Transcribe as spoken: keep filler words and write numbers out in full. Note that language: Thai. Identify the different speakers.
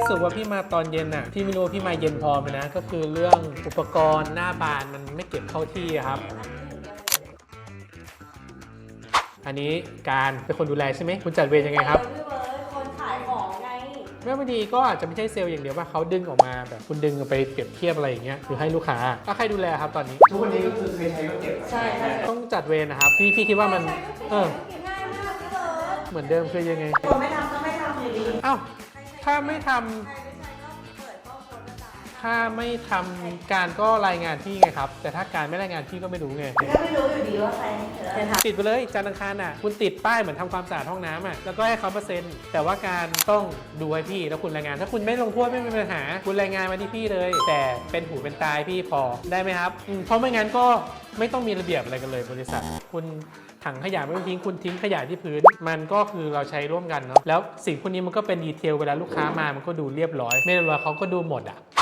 Speaker 1: สึกว่าพี่มาตอนเย็นน่ะพี่ไม่รู้ว่าพี่มาเย็นพอไหมนะก็คือเรื่องอุปกรณ์หน้าบานมันไม่เก็บเข้าที่ครับ อันนี้การเป็นคนดูแลใช่ไหมคุณจัดเวรยังไงครับ
Speaker 2: พี่เบิร์ดคนขายของไง
Speaker 1: แม่พอดีก็อาจจะไม่ใช่เซลล์อย่างเดียวว่าเขาดึงออกมาแบบคุณดึงไปเปรียบเทียบอะไรอย่างเงี้ยหรือให้ลูกค้าถ้าใครดูแลครับตอนนี้
Speaker 3: ทุกวันนี้ก็คือใครใช้ก็เก็บ
Speaker 2: ใช่ใช่
Speaker 1: ต้องจัดเวรนะครับพี่พี่คิดว่ามันเออ
Speaker 2: เก็บง่ายมากพี่เบิร์ด
Speaker 1: เหมือนเดิมคือยังไง
Speaker 2: คนไม่ทำก็ไม่ทำอยู่ดี
Speaker 1: อ้าวถ้าไม่ทำ
Speaker 2: ใครไม่ใช่ก็เปิดก็โพสต์ประจาน
Speaker 1: ถ้าไม่ทำการก็รายงานพี่ไงครับแต่ถ้าการไม่รายงานพี่ก็ไม่รู้ไง
Speaker 2: ก็ไม่รู้อยู่ดีว่าใครจะทำ
Speaker 1: ติดไปเลยจันทร์อังคารอ่ะคุณติดป้ายเหมือนทำความสะอาดห้องน้ำอ่ะแล้วก็ให้เขาเปอร์เซ็นต์แต่ว่าการต้องดูให้พี่แล้วคุณรายงาน ถ้าคุณไม่ลงโทษไม่มีปัญหาคุณรายงานมาที่พี่เลย แต่เป็นหูเป็นตายพี่พอได้ไหมครับอืมเพราะไม่งั้นก็ไม่ต้องมีระเบียบอะไรกันเลยบริษัท คุณถังขยะไม่ต้องทิ้งคุณทิ้งขยะที่พื้น มันก็คือเราใช้ร่วมกันเนาะแล้วสิ่งพวกนี้มันก็เป็นดีเทลเวลาลูกค้ามามันก็ดูเรียบร้อยไม่เรียบร้อยเขาก็ดูหมดอ่ะ